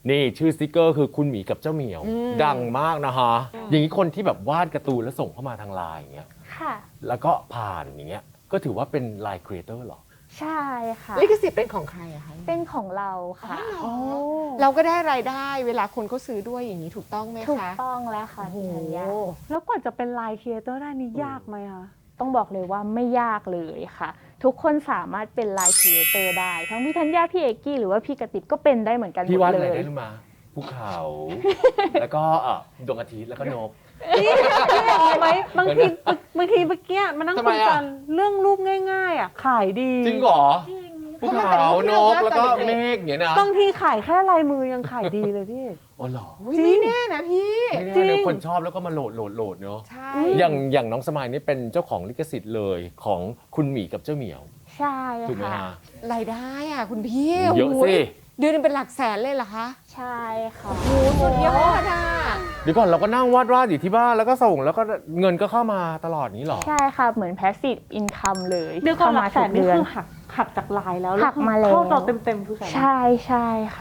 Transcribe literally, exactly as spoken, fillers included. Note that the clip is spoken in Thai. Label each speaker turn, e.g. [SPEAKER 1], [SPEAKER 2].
[SPEAKER 1] นี่ชื่อสติกเกอร์คือคุณหมีกับเจ้าเหมียวดังมากนะฮะอย่างนี้คนที่แบบวาดการ์ตูนแล้วส่งเข้ามาทางไลน์อย่างเงี้ย
[SPEAKER 2] ค่ะ
[SPEAKER 1] แล้วก็ผ่านอย่างเงี้ยก็ถือว่าเป็นไลน์ครีเอเตอร์หรอ
[SPEAKER 2] ใช่ค่ะ
[SPEAKER 3] ลิขสิทธิ์เป็นของใครอะคะ
[SPEAKER 2] เป็นของเราค่ะ
[SPEAKER 3] เราก็ได้รายได้เวลาคนเขาซื้อด้วยอย่างนี้ถูกต้องไหมคะ
[SPEAKER 2] ถูกต้องแล้วค่ะ
[SPEAKER 3] โอ้โห
[SPEAKER 2] พี่ธัญญา
[SPEAKER 4] แล้วกว่าจะเป็นไลน์ครีเอเตอร์ได้นี่ยากไหมคะ
[SPEAKER 2] ต้องบอกเลยว่าไม่ยากเลยค่ะ ทุกคนสามารถเป็นไลน์ครีเอเตอร์ได้ ทั้งพี่ธัญญาพี่เอกกี้หรือว่าพี่กระติบก็เป็นได้เหมือนกันหม
[SPEAKER 1] พี่
[SPEAKER 2] ด
[SPEAKER 1] วาด
[SPEAKER 2] เล
[SPEAKER 1] อะไร
[SPEAKER 2] ย
[SPEAKER 1] ได้รู้มาภูเขา แล้วก็เอ่อดวงอาทิตย์แล้วก็นก
[SPEAKER 4] พี่บอกไหมบางทีบางทีเมื่อกี้มานั่ง
[SPEAKER 1] ทำไม
[SPEAKER 4] คุย
[SPEAKER 1] อะ
[SPEAKER 4] กันเรื่องรูปง่ายๆอ่ะขายดี
[SPEAKER 1] จริงเหรอภูเขานกแล้วก็เมฆอย่างเงี้ยนะ
[SPEAKER 4] บางทีขายแค่ลายมือยังขายดีเลยพี่
[SPEAKER 1] อ๋อเหรอ
[SPEAKER 3] อุ๊ยไม่แน่นะพี่
[SPEAKER 1] ไม่ได้เลยคนชอบแล้วก็มาโหลดโหลดโหลดเนาะ
[SPEAKER 3] ใช่
[SPEAKER 1] อย่างอย่างน้องสมายนี่เป็นเจ้าของลิขสิทธิ์เลยของคุณหมีกับเจ้าเหมียว
[SPEAKER 2] ใช่
[SPEAKER 1] ถูกไหม
[SPEAKER 2] ค่ะ
[SPEAKER 1] ฮะ
[SPEAKER 3] รายได้อะคุณพี่
[SPEAKER 1] เยอะ
[SPEAKER 3] โโห
[SPEAKER 1] สิ
[SPEAKER 3] เดือนหนึงเป็นหลักแสนเลยเหรอคะ
[SPEAKER 2] ใช่ค่ะ
[SPEAKER 3] โอ้สุดยอดอะ
[SPEAKER 1] เดี๋ยวก่อนเราก็นั่งวาดวาดอยู่ที่บ้านแล้วก็ส่งแล้วก็เงินก็เข้ามาตลอดนี้เหรอ
[SPEAKER 2] ใช่ค่ะเหมือน passive income เลย
[SPEAKER 4] เดี๋ยวก่อนหลั
[SPEAKER 2] มาก
[SPEAKER 4] แส
[SPEAKER 2] ทุ
[SPEAKER 4] น
[SPEAKER 2] ก
[SPEAKER 4] นี่
[SPEAKER 2] เดือน
[SPEAKER 4] คือหักหักจากลายแล้ว
[SPEAKER 2] หักมาแล้ว
[SPEAKER 4] เข้าเราเต็มๆคือแสน
[SPEAKER 2] ใช่ใช่ค่ะ